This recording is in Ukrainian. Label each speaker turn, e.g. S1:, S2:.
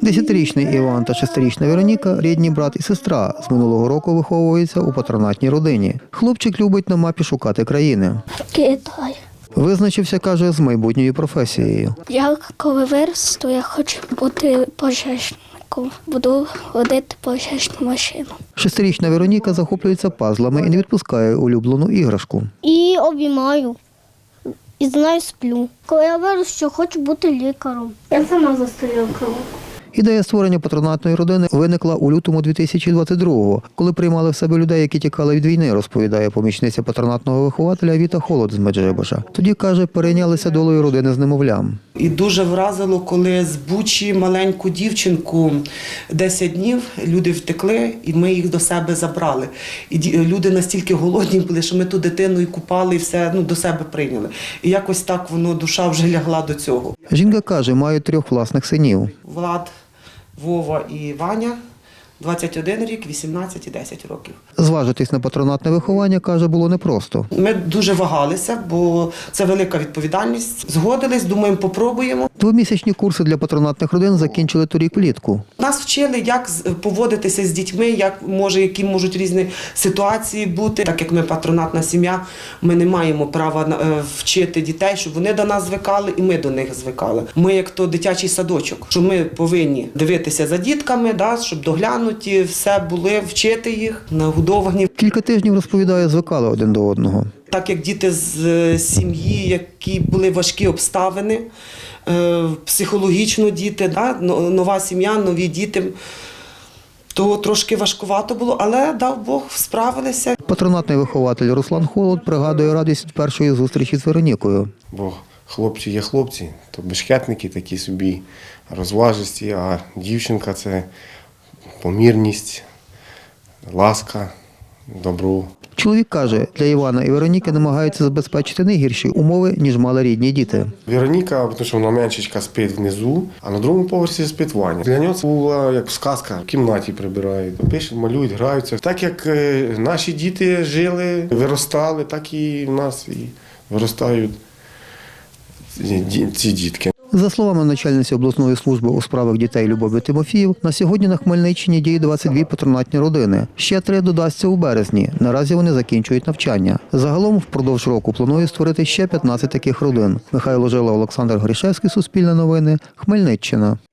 S1: 10-річний Іван та 6-річна Вероніка – рідні брат і сестра. З минулого року виховуються у патронатній родині. Хлопчик любить на мапі шукати країни.
S2: Китай.
S1: Визначився, каже, з майбутньою професією.
S2: Я коли виросту, я хочу бути пожежником. Буду водити пожежну машину.
S1: 6-річна Вероніка захоплюється пазлами і не відпускає улюблену іграшку.
S2: І обіймаю. І з нею сплю. Коли я виросту, хочу бути лікарем. Я сама застаю кров.
S1: Ідея створення патронатної родини виникла у лютому 2022-го, коли приймали в себе людей, які тікали від війни, розповідає помічниця патронатного вихователя Віта Холод з Меджибожа. Тоді, каже, перейнялися долею родини з немовлям.
S3: І дуже вразило, коли з Бучі маленьку дівчинку 10 днів люди втекли, і ми їх до себе забрали. І люди настільки голодні були, що ми ту дитину і купали, і все до себе прийняли. І якось так воно, душа вже лягла до цього.
S1: Жінка каже, має 3 власних синів.
S3: Влад, Вова і Ваня, 21 рік, 18 і 10 років.
S1: Зважитись на патронатне виховання, каже, було непросто.
S3: Ми дуже вагалися, бо це велика відповідальність. Згодились, думаємо, попробуємо.
S1: 2-місячні курси для патронатних родин закінчили торік влітку.
S3: Нас вчили, як поводитися з дітьми, які можуть різні ситуації бути. Так як ми патронатна сім'я, ми не маємо права вчити дітей, щоб вони до нас звикали і ми до них звикали. Ми як то дитячий садочок, що ми повинні дивитися за дітками, щоб доглянуті, все були, вчити їх, нагодовані.
S1: Кілька тижнів, розповідає, звикали один до одного.
S3: Так як діти з сім'ї, які були важкі обставини, психологічно діти, нова сім'я, нові діти, то трошки важкувато було, але, дав Бог, справилися.
S1: Патронатний вихователь Руслан Холод пригадує радість від першої зустрічі з Веронікою.
S4: Бо хлопці є хлопці, то бешкетники такі собі розважисті, а дівчинка – це помірність, ласка, добро.
S1: Чоловік каже, для Івана і Вероніки намагаються забезпечити не гірші умови, ніж мали рідні діти.
S4: Вероніка, тому що вона меншечка спить внизу, а на другому поверсі спить Ваня. Для нього це була як сказка, в кімнаті прибирають, пишуть, малюють, граються. Так як наші діти жили, виростали, так і в нас і виростають ці дітки.
S1: За словами начальниці обласної служби у справах дітей Любові Тимофіїв, на сьогодні на Хмельниччині діє 22 патронатні родини. Ще 3 додасться у березні. Наразі вони закінчують навчання. Загалом впродовж року планує створити ще 15 таких родин. Михайло Жила, Олександр Грішевський, Суспільне новини, Хмельниччина.